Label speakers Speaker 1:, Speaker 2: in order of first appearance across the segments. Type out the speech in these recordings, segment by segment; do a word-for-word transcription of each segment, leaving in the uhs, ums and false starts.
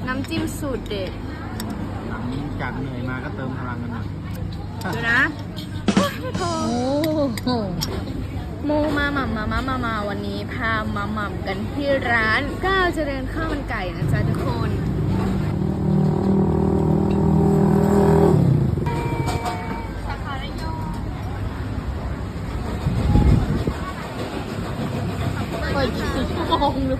Speaker 1: น้ำจิ้มสูตรเด็ด
Speaker 2: หลังจากเหนื่อยมาก็เติมพลังกันหน่อย
Speaker 1: ดูนะโอ้ยไม่พอ
Speaker 3: โอ้โห
Speaker 1: โมมาหม่ำมามามามาวันนี้พามาหม่ำกันที่ร้านก้าวเจริญข้าวมันไก่นะจ๊ะทุกคน
Speaker 3: เปิดกี่ชั่วโมงด้วย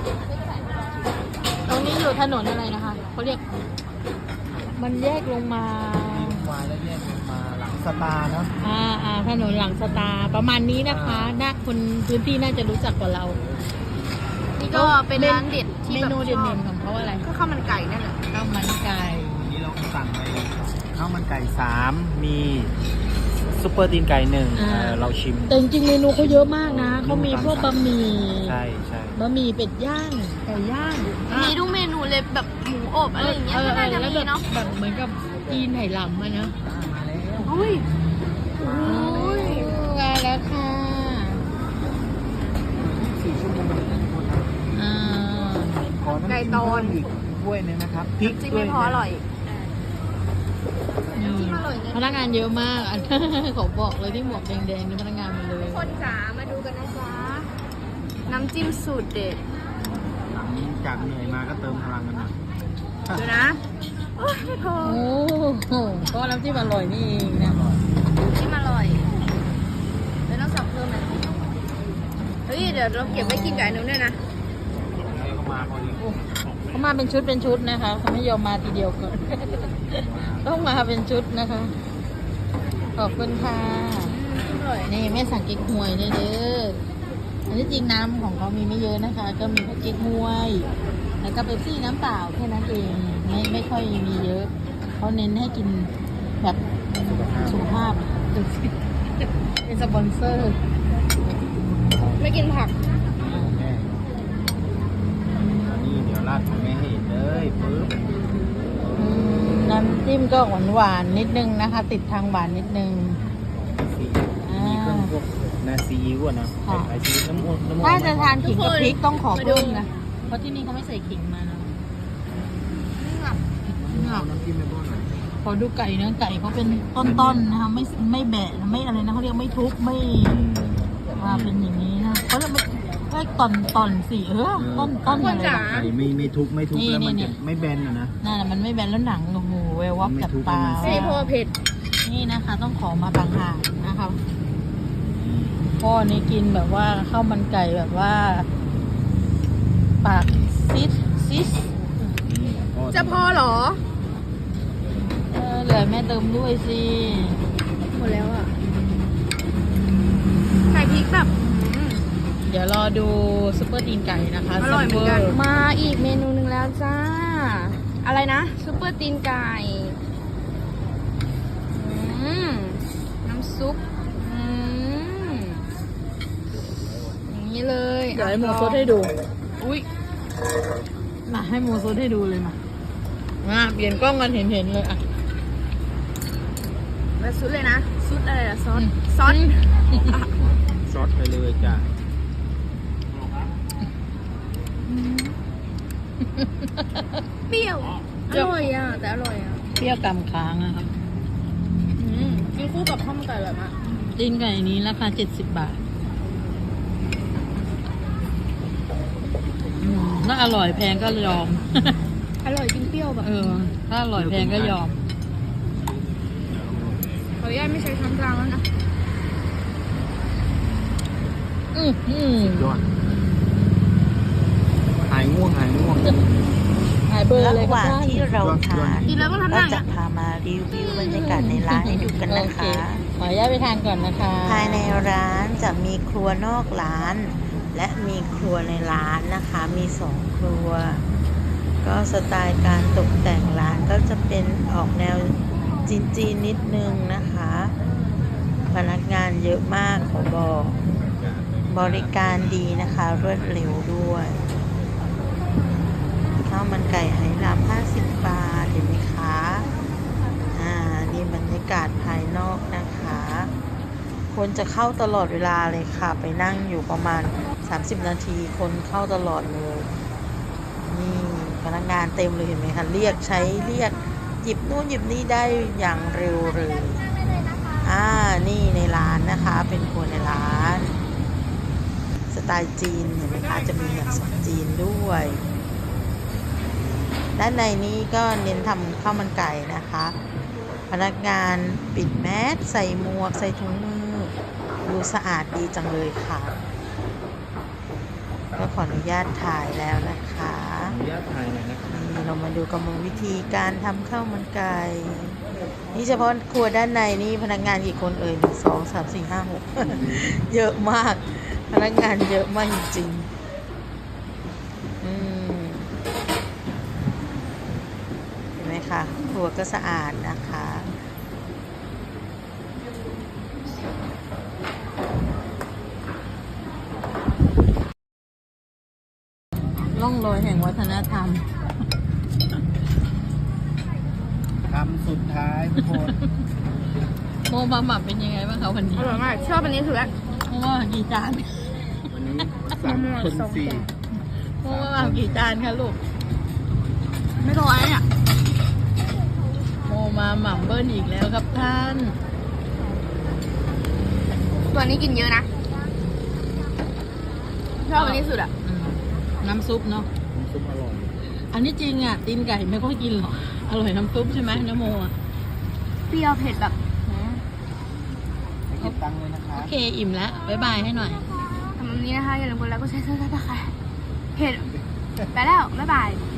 Speaker 3: ตรงนี้อยู่ถนนอะไรนะคะเขาเรียกมันแยกลงมา
Speaker 2: วายแล้วแยกมาหลังสตาร์เนาะ
Speaker 3: อ่าอ่าถนนหลังสตาร์ประมาณนี้นะคะน่าคนพื้นที่น่าจะรู้จักกว่าเรา
Speaker 1: นี่ก็เป็นร้านเด็ดที่
Speaker 3: เม
Speaker 1: แบบ
Speaker 3: นู
Speaker 1: ช
Speaker 3: เด่
Speaker 1: อบ
Speaker 3: นๆของเขาอะไร
Speaker 1: ก็ข้าวมันไก่นั่นแหละ
Speaker 3: ข้าวมันไก่
Speaker 2: วันนี้เราสั่งไปข้าวมันไก่สามมีซุปเปอร์ตีนไก่หนึ่ง
Speaker 3: อ่า
Speaker 2: เออเราชิม
Speaker 3: แต่จริงๆเมนูเขาเยอะมากนะเขามีพวกบะหมี่
Speaker 2: ใช่ใช่
Speaker 3: บะหมี่เป็ดย่างไก่ย่าง
Speaker 1: มีทุกเมนูเลยแบบหมูอบอะไรอย่างเงี้ย
Speaker 3: เออ
Speaker 1: ก็น่าจะ
Speaker 3: แล้ว
Speaker 1: มี
Speaker 3: แบบ
Speaker 1: เนาะ
Speaker 3: แบบเหมือนกับจีนไหหลำอะนะ
Speaker 2: มาแล้ว
Speaker 1: อุ้ยอุ้ย
Speaker 3: มาแล้วค่ะ
Speaker 2: สี่ชั่วโมงทุกคนครับ
Speaker 3: อ่า
Speaker 2: ขอน้ำจิ้มเพิ่มอีกถ้วยหนึงนะครับพริก
Speaker 1: จริง
Speaker 2: ด้วย
Speaker 1: ไม่พออร่อย
Speaker 3: นี่
Speaker 1: จิ้มอร่อยเลย
Speaker 3: พนักงานเยอะมากอัน เขาบอกเลยที่หมวกแดงๆนี่พนักงานหมาเลย
Speaker 1: คนจ๋ามาดูกันนะจ๊ะน้ำจิ้มสูตรเด็ด
Speaker 2: หลังจากเหนื่อยมาก็เติมพลังกันหน่อย
Speaker 1: ดูนะโอ้ยไม่พอ
Speaker 3: โอ้โหก็น้ำจิ้มอร่อยนี่เองนะ
Speaker 1: จิ้มอร่อยแล้วต้องสั่งเพิ่มไหมเฮ้ยเดี๋ยวเราเก็บไว้กินกับอันนู้นด้วยนะ
Speaker 2: แล้วก็มาพอดี
Speaker 3: เขามาเป็นชุดเป็นชุดนะคะเขาไม่ยอมมาทีเดียวก่อน ต้องมาเป็นชุดนะคะ ขอบคุณค่ะ
Speaker 1: อร่อย
Speaker 3: นี่แม่สั่งเก๊กฮวยด้วยเด้ออันนี้จริงน้ำของเขามีไม่เยอะนะคะ ก็มีแค่เก๊กฮวย แล้วก็เป๊ปซี่น้ำเปล่าแค่นั้นเอง ไม่ไม่ค่อยมีเยอะ เขาเน้นให้กินแบบสุขภาพ เป็นสปอนเซอร์
Speaker 1: ไม่กินผัก
Speaker 2: แม่นี่เดี๋ยวราดของแม่ให้เห็นเลยปึ๊บ
Speaker 3: อืมน้ำจิ้มก็หวานหวานๆนิดนึงนะคะ ติดทางหวานนิดนึง
Speaker 2: ซีมีเครื่องพวกนาซีอิ๊วอะนะ
Speaker 3: ค่ะ
Speaker 2: ใส่ซีอิ๊วน้ำมันน้ำมัน
Speaker 3: ถ้าจะทานขิงกับพริกต้องขอ
Speaker 1: มาดู
Speaker 3: เพิ่มนะ เพราะที่นี่เขาไม่ใส่ขิงมานะ
Speaker 2: เอาน้ำจิ้มไม่บ้วนหน่อย
Speaker 3: ขอดูไก่นะไก่เขาเป็นต้นๆนะคะไม่ไม่แบะไม่อะไรนะเขาเรียกไม่ทุบไม่มาเป็นอย่างนี้นะเขาเรียกไม่ไม่ตอนตอนสีเออต้นต้นอะไร
Speaker 1: จ๋า
Speaker 3: นะ
Speaker 2: ไก่ไม่ไม่ทุบไม่ทุบ
Speaker 3: นี่
Speaker 2: แล้วมัน
Speaker 3: นี่
Speaker 2: จะไม่แบนอะนะ
Speaker 3: นั่นแหละมันไม่แบนแล้วหนังโอ้โหแวววับ
Speaker 2: ไม่
Speaker 3: กับ
Speaker 2: ทุบ
Speaker 3: ตา
Speaker 2: ให้มัน
Speaker 1: ไม่พอเผ็ด
Speaker 3: นี่นะคะ ต้องขอมาต่างหากนะคะพ่อนี่กินแบบว่าข้าวมันไก่แบบว่า ปากซิดซิด
Speaker 1: จะพอเหรอ
Speaker 3: เออเหลือแม่เติมด้วยสิ
Speaker 1: หมดแล้วอ่ะใส่พริกแบบอืม
Speaker 3: เดี๋ยวรอดูซุปเปอร์ตีนไก่นะคะ
Speaker 1: อร่อยเหมือนกัน
Speaker 3: ซุปเป
Speaker 1: มาอีกเมนูหนึ่งแล้วจ้า อะไรนะซุปเปอร์ตีนไก่อืมน้ำซุปอืมอย่างนี้เลย
Speaker 3: เดี๋ยวให้หมูซดให้ดู
Speaker 1: อุ้ย
Speaker 3: มาให้หมูซดให้ดูเลยมามาเปลี่ยนกล้องกันเห็นเห็นๆเลยอ่ะ
Speaker 1: แล้วซุปเลยนะซุปอะไรล่ะซอส
Speaker 3: อืม
Speaker 1: ซอส
Speaker 2: ซอสไปเลยจ้ะ
Speaker 1: เปรี้ยวอร่อยอ่ะแต่อร่อยอ่ะ
Speaker 3: เปรี้ยวกำค้างอะครับ
Speaker 1: อืมกินคู่กับข้าวมันไก่อร่อยมาก
Speaker 3: ตีนไก่นี้ราคาเจ็ดสิบบาทอืมถ้าอร่อยแพงก็ยอม
Speaker 1: อร่อยกินเปรี้ยวแบบ
Speaker 3: เออ ถ้าอร่อยแพงก็ยอม
Speaker 1: ขออนุญาตไม่ใช้ช้อนกลางแล้วนะ
Speaker 3: อืมอืม
Speaker 2: ยอดหายง่วงหายง่วง
Speaker 3: หายเบอร์เลย
Speaker 4: ระห
Speaker 3: ก็
Speaker 4: ว่าง
Speaker 3: ได้
Speaker 4: ที่เราทาน
Speaker 1: กินแล้วก็ทำห
Speaker 4: ก็
Speaker 1: น้า
Speaker 4: จะพามารีวิวบรรยากาศในร้านให้ดูกันนะ
Speaker 3: โอเค
Speaker 4: คะ
Speaker 3: ขออนุญาตไปทานก่อนนะคะ
Speaker 4: ภายในร้านจะมีครัวนอกร้าน และมีครัวในร้านนะคะ มีสองครัว ก็สไตล์การตกแต่งร้านก็จะเป็นออกแนวจีนๆนิดนึงนะคะ พนักงานเยอะมากขอบอก บริการดีนะคะ รวดเร็วด้วย ข้าวมันไก่ไหหลำห้าสิบบาท เห็นไหมคะ อ่า นี่บรรยากาศภายนอกนะคะ คนจะเข้าตลอดเวลาเลยค่ะ ไปนั่งอยู่ประมาณสามสิบนาที คนเข้าตลอดเลย นี่พนักงานเต็มเลยเห็นไหมคะเรียกใช้เรียกหยิบนู่นหยิบนี่ได้อย่างเร็วเลยอ่านี่ในร้านนะคะ เป็นครัวในร้านสไตล์จีนเห็นไหมคะจะมีแบบจีนด้วย ด้านในนี้ก็เน้นทำข้าวมันไก่นะคะ พนักงานปิดแมสใส่หมวกใส่ถุงมือดูสะอาดดีจังเลยค่ะ ก็ขออนุญาตถ่ายแล้วนะคะ
Speaker 2: ขออนุญาตถ่ายหน่อยนะครับ
Speaker 4: นี่เรามาดูกรรมวิธีการทำข้าวมันไก่นี่เฉพาะครัวด้านในนี่พนักงานกี่คนเอ่ยหนึ่งสองสามสี่ห้าหก เยอะมาก พนักงานเยอะมากจริงๆอืมเห็นไหมคะครัวก็สะอาดนะคะ
Speaker 3: ร่องรอยแห่งวัฒนธรรม
Speaker 2: คำสุดท้ายทุกคน
Speaker 3: โมมาหมักเป็นยังไงบ้างคะวันนี้
Speaker 1: อร่อยมากชอบอันนี้สุดละ
Speaker 3: โมมาหมักกี่จาน
Speaker 2: วันนี้สามคนสี่
Speaker 3: โมมาหมักกี่จานคะลูก
Speaker 1: ไม่ร้อยอ่ะ
Speaker 3: โมมาหม่ำเบิ้ลอีกแล้วครับท่าน
Speaker 1: ตัวนี้กินเยอะนะชอบอันนี้สุดอ่ะ
Speaker 3: อืมน้ำซุปเนาะ
Speaker 2: น้ำซุปอร่อย
Speaker 3: อันนี้จริงอ่ะตีนไก่ไม่ค่อยกินหรอกอร่อยน้ำซุปใช่ไหมน้ำโมอ่ะ
Speaker 1: เปรี้ยวเผ็ดแบบ
Speaker 2: ไม่คิดตังค์เลยนะครั
Speaker 3: โอบ เคอิ่มแล้วบ๊ายบายให้หน่อย
Speaker 1: ทำแบบนี้นะคะอย่าลืมกดไลค์กดแชร์ซับสไครต์เพจไปแล้ว บ๊ายบาย